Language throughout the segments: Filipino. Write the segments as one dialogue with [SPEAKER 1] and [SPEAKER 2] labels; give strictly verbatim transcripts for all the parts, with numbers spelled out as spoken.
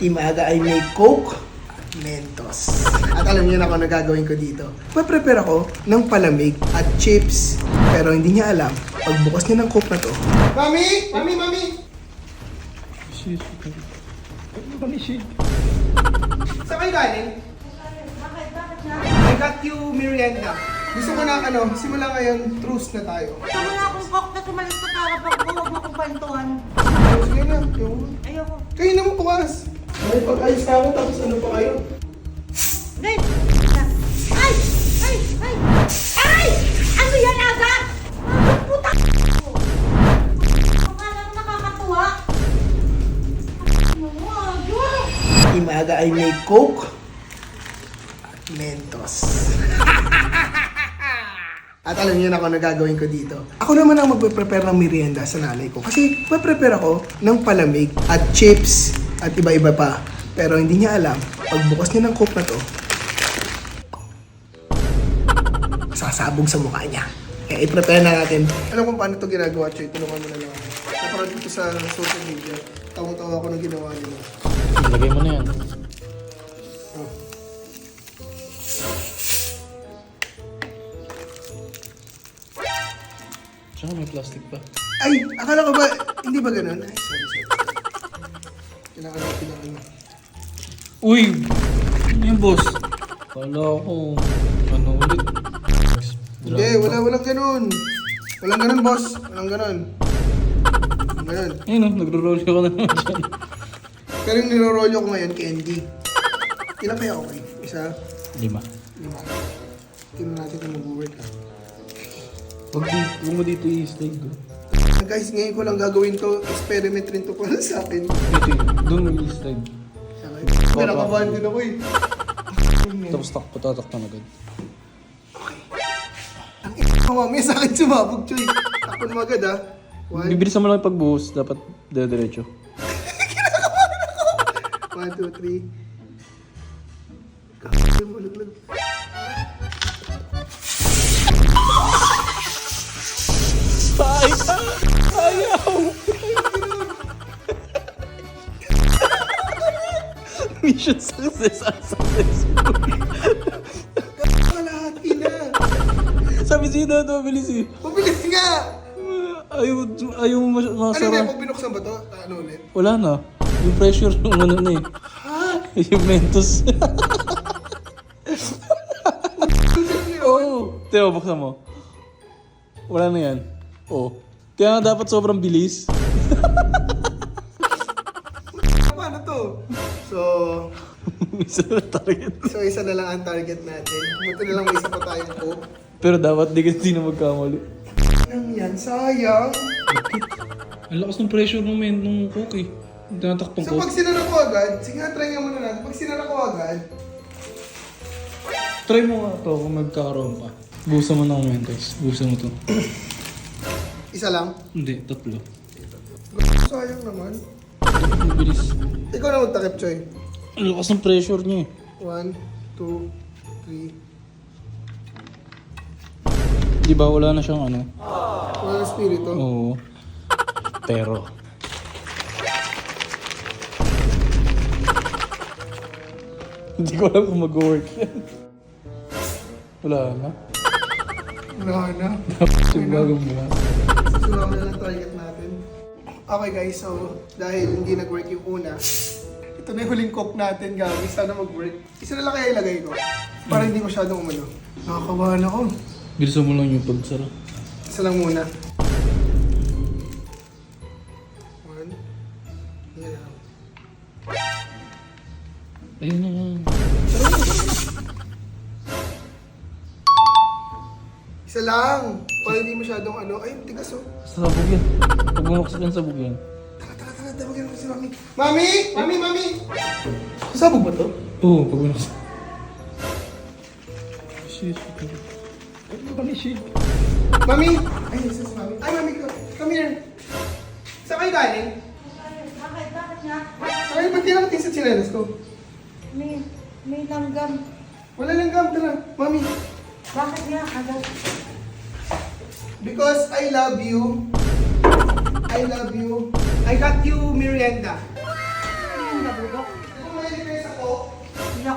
[SPEAKER 1] Team Aga ay may Coke at Mentos. At alam niyo na kung ano gagawin ko dito. Mag-prepare ako ng palamig at chips. Pero hindi niya alam, pagbukas niya ng Coke na to. Mami! Mami! Mami!
[SPEAKER 2] Shit. Ano ba ni shit?
[SPEAKER 1] Saan kayo galing?
[SPEAKER 3] Bakit? Bakit na?
[SPEAKER 1] I got you merienda. Gusto ko na ano, simula ngayon, truce na tayo.
[SPEAKER 3] Gusto mo na akong coke na tumalis ka karapag ko, huwag mo akong kwentuhan.
[SPEAKER 1] Sige na, yung...
[SPEAKER 3] Ayoko.
[SPEAKER 1] Kayo naman bukas. May pag-ayos na ako, tapos ano pa kayo?
[SPEAKER 3] Red! Ay! Ay! Ay! Ay! Ano yan, Aga? Ang puta akala mo nakakatuwa? Ano mo, Aga?
[SPEAKER 1] Team Aga ay may Coke at Mentos. At alam niyo na kung ano gagawin ko dito. Ako naman ang magpe-prepare ng merienda sa nanay ko. Kasi magpe-prepare ako ng palamig at chips at iba-iba pa. Pero hindi niya alam, pagbukas niya ng Coke na to, sasabog sa mukha niya. Kaya i-prepare na natin. Alam kung paano ito ginagawa, Choy. Tulungan mo na lang ako. Naparad dito sa social media. Tawang-tawa ako ng ginawa nila.
[SPEAKER 2] Lagay mo na yan.
[SPEAKER 1] Oh.
[SPEAKER 2] Tsaka may plastic pa.
[SPEAKER 1] Ay, akala ko ba, hindi ba ganun? Ay, sorry, sorry. Kailangan na, kailangan na.
[SPEAKER 2] Uy! Ano yan, boss? Kala ko, ano ulit?
[SPEAKER 1] Hindi, wala, walang ganun. Walang ganun, boss. Walang ganun. Walang ganun.
[SPEAKER 2] Ayun o, nagro-roll ka na naman dyan.
[SPEAKER 1] Pero yung nilorolyo ko ngayon, candy. Ilan kaya okay? Isa,
[SPEAKER 2] Lima.
[SPEAKER 1] lima. Tingnan natin kung mag-work ha.
[SPEAKER 2] Huwag di, huwag mo dito i-slide ko.
[SPEAKER 1] Ah, guys, ngayon ko lang gagawin to. Experiment rin to para sa akin.
[SPEAKER 2] Dito yun, doon mo i-slide.
[SPEAKER 1] Pero nakabahan din ako eh.
[SPEAKER 2] Tapos tak, patatakpan agad.
[SPEAKER 1] Ang ina mo, may sa akin sumabog, Choy. Takpan mo agad ha. One,
[SPEAKER 2] Bibilisan mo lang yung pagbuhos, dapat dire-diretso.
[SPEAKER 1] one, two, three. Kakasal mo, laglag.
[SPEAKER 2] Ay! Ayaw! Mission success ang successful.
[SPEAKER 1] Lahat, ina.
[SPEAKER 2] Sabi siya na ito, mabilis eh.
[SPEAKER 1] Mabilis nga!
[SPEAKER 2] Ayaw, ayaw mo mas-
[SPEAKER 1] Ano na,
[SPEAKER 2] masara.
[SPEAKER 1] pag binuksan ba to? Ano ulit?
[SPEAKER 2] Wala na. Yung pressure yung ano na eh. Yung Mentos. Oo. Teo, buksan mo. Wala na yan. Oo. Kaya nga dapat sobrang bilis.
[SPEAKER 1] Paano to? So,
[SPEAKER 2] Isa na target.
[SPEAKER 1] so isa na lang ang target natin. Buto na lang may isa pa tayong Coke.
[SPEAKER 2] Pero dapat di kasi na magkamali.
[SPEAKER 1] Nang yan, sayang.
[SPEAKER 2] Ang lakas ng pressure ng men, ng coke eh. Tinatakpang
[SPEAKER 1] So
[SPEAKER 2] ko.
[SPEAKER 1] pag sinara ko agad, sige nga, try nga muna natin. Pag sinara ko agad,
[SPEAKER 2] Try mo nga to kung magkakaroon pa. Busan mo ng Mentos. Busan mo to.
[SPEAKER 1] isa lang.
[SPEAKER 2] Hindi, tatlo.
[SPEAKER 1] Sayang naman.
[SPEAKER 2] Mabilis.
[SPEAKER 1] Ikaw na magtakip, Choy.
[SPEAKER 2] Ang lakas ng pressure niya eh.
[SPEAKER 1] One, two, three.
[SPEAKER 2] Di ba wala na siyang ano?
[SPEAKER 1] Wala na spirito.
[SPEAKER 2] Oo. Pero. Hindi ko alam kung mag-work yan. Wala na.
[SPEAKER 1] Wala na.
[SPEAKER 2] Yung bagong mula.
[SPEAKER 1] Susunod na lang target natin. Okay guys, so dahil hindi nag-work yung una, ito na yung huling coke natin, gabi. Sana mag-work. Isa na lang kaya ilagay ko. Para hindi masyadong umano. Nakakabahan ako.
[SPEAKER 2] Bilisan mo lang yung pagsara.
[SPEAKER 1] Isa lang muna. One. Yan lang.
[SPEAKER 2] Ayun na yan.
[SPEAKER 1] Isa lang. Para hindi masyadong ano. Ay, tigas oh.
[SPEAKER 2] Sabog yan. Pag bumuksak yan, sabog yan.
[SPEAKER 1] Tara, tara, tara. Tawagin mo si Mami. Mami! Mami, Mami! Sabog ba to?
[SPEAKER 2] Oo, pag bumuksak. Shit. Ano ba ni shit?
[SPEAKER 1] Mami! Ay, isa si Mami. Ay, Mami ko. Come here. Saan kayo galing?
[SPEAKER 3] Bakit? Bakit nga?
[SPEAKER 1] Ay, ba't di naman sa chinelas ko?
[SPEAKER 3] May, may langgam.
[SPEAKER 1] Wala lang gam, tara. Mami.
[SPEAKER 3] Bakit nga, Aga?
[SPEAKER 1] Because I love you. I love you. I got you merienda.
[SPEAKER 3] Ano yung nabulok?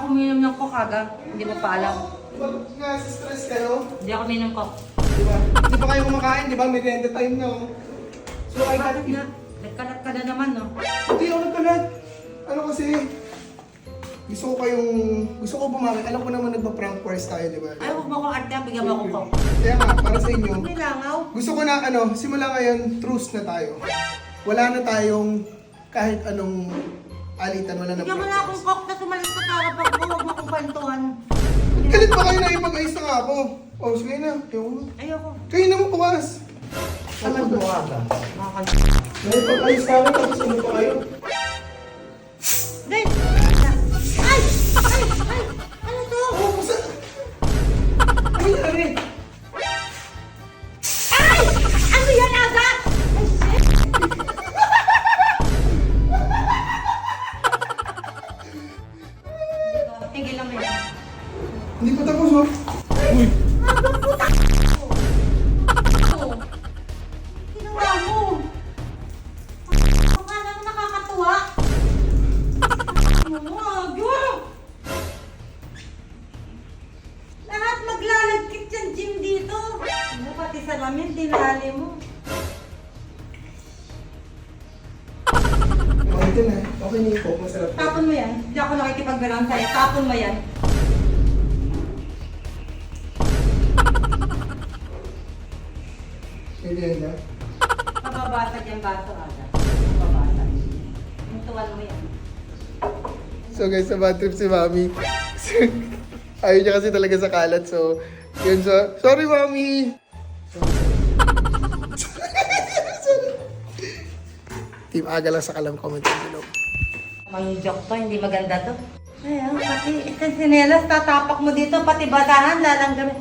[SPEAKER 3] ako uminom ng coke aga. Hindi mo pa alam.
[SPEAKER 1] Bakit nga stress kayo?
[SPEAKER 3] Hindi ako uminom ng coke.
[SPEAKER 1] Di ba? Di ba kayo kumakain? Di ba? May renta time na. oh. So, I got
[SPEAKER 3] Bakit nga? Nagkalat ka na naman, no?
[SPEAKER 1] Hindi ako nagkalat. Ano kasi? Gusto ko kayong... Gusto ko bumaki. Alam ko naman nagpa-prank course tayo, di ba?
[SPEAKER 3] Ay, huwag mo akong arte, bigyan mo akong coke.
[SPEAKER 1] Kaya nga, para sa inyo,
[SPEAKER 3] Hindi langaw.
[SPEAKER 1] gusto ko na ano, simula ngayon, truce na tayo. Wala na tayong kahit anong alitan, wala na.
[SPEAKER 3] Bigyan mo na akong coke na sumalis ka karapag ko. Huwag mo akong kwentuhan.
[SPEAKER 1] Galit ba kayo na ipag-ayos na nga ako? O, oh, sige na. Ayoko.
[SPEAKER 3] Ayoko.
[SPEAKER 1] Kayo naman pumas.
[SPEAKER 3] Ano mo aga? Makakal...
[SPEAKER 1] Naipag-ayos na ako, tapos ano pa kayo?
[SPEAKER 3] Guys! Ay! Ay! Ay! Ano to?
[SPEAKER 1] Oo, basta... Ano nangyari?
[SPEAKER 3] Ay! Ano yan aga? Ay, shit! Tigil lang mo yan.
[SPEAKER 1] Hindi pa tapos, oh.
[SPEAKER 2] Uy!
[SPEAKER 3] Abang puta! Ginawa mo! Ang alam nakakatuwa! Ano mo, aga? Lahat maglalagkit yung gym dito. Ano, pati sa ramen, dinali mo.
[SPEAKER 1] Okay na. Okay na yung coke, masarap.
[SPEAKER 3] Tapon mo yan. Hindi ako nakikipagbilang sa'yo. Tapon mo yan.
[SPEAKER 1] Pwede yan na.
[SPEAKER 3] Mababasag yung baso, aga. Mababasag. Mutuan mo yan.
[SPEAKER 1] So guys, sa bad trip si Mami. Ayaw niya kasi talaga sa kalat. So, yun so. Sorry, Mami! Sorry. Team Aga lang sa kalam comment down below.
[SPEAKER 3] May joke to, hindi maganda to. Ayan, pati isang sinelas, tatapak mo dito, pati basahan, lalanggamin.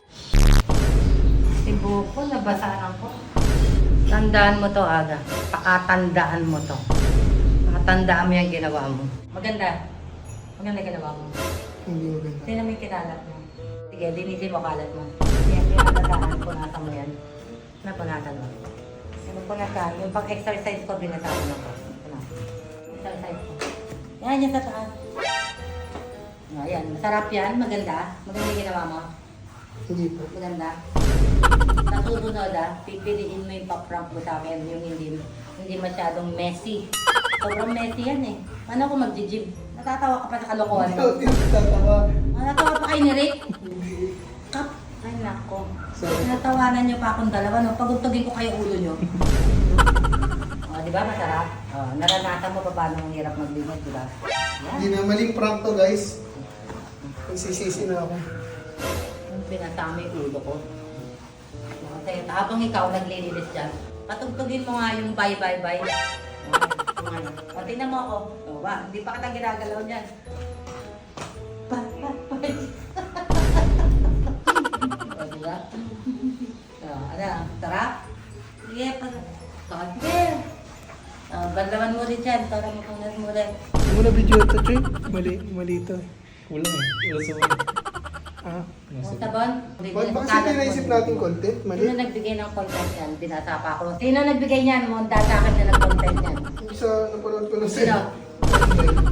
[SPEAKER 3] Si Buko, nabasahan ko. Tandaan mo to, Aga. Pakatandaan mo to. Pakatandaan mo yung ginawa mo. Maganda. Maganda ginawa mo.
[SPEAKER 1] Hindi maganda.
[SPEAKER 3] Sino may kinalat mo? Sige, linisin mo kalat mo. Yan, pinagdadaan, punasan mo yan. Napunatan mo. Yung punatan, yung pag-exercise ko, binasahan mo ko. Exercise ko. Yan, yan sa taas. No, yan, masarap yan, maganda. Maganda yung ginawa mo.
[SPEAKER 1] Hindi po.
[SPEAKER 3] Maganda. Sa susunod ah, pipiliin mo yung pa-prank mo sa akin, yung hindi, hindi masyadong messy. Sobrang messy yan eh. Ano ako mag-gym? Natatawa ka pa sa kalokohan mo.
[SPEAKER 1] Tatawa.
[SPEAKER 3] Natatawa pa kayo ni Rick? Kap, ay nako.
[SPEAKER 1] Sorry.
[SPEAKER 3] Natawanan niyo pa akong dalawa, no? Pagugtugin ko kayo ulo niyo. O, di ba masarap? O, naranasan mo pa paano ang hirap maglinis, di ba?
[SPEAKER 1] Hindi
[SPEAKER 3] Yan.
[SPEAKER 1] na maling prank to, guys. Nagsisisi na ako.
[SPEAKER 3] Yung pinasama yung ulo ko. Kasi habang ikaw naglilinis dyan, patugtugin mo nga yung bye bye bye. O, tingnan mo ako. O, ba, hindi pa kita ginagalaw niyan. Bye bye bye. O, diba? O, ano, tara? Sige, pa. O, sige. O, bandaman mo rin dyan para mapunas mo rin.
[SPEAKER 1] Ano mo na video ito, Choy? Mali, mali ito.
[SPEAKER 2] Wala eh. Wala sa mga.
[SPEAKER 1] Ah.
[SPEAKER 3] O, sabon?
[SPEAKER 1] Bakit ba kasi pinaisip natin content? Mali.
[SPEAKER 3] Sino nagbigay ng content yan? Binata pa ako. Sino nagbigay niyan? Mo, data ka na ng content yan.
[SPEAKER 1] Yung sa napanood ko na
[SPEAKER 3] Sino?
[SPEAKER 1] sa...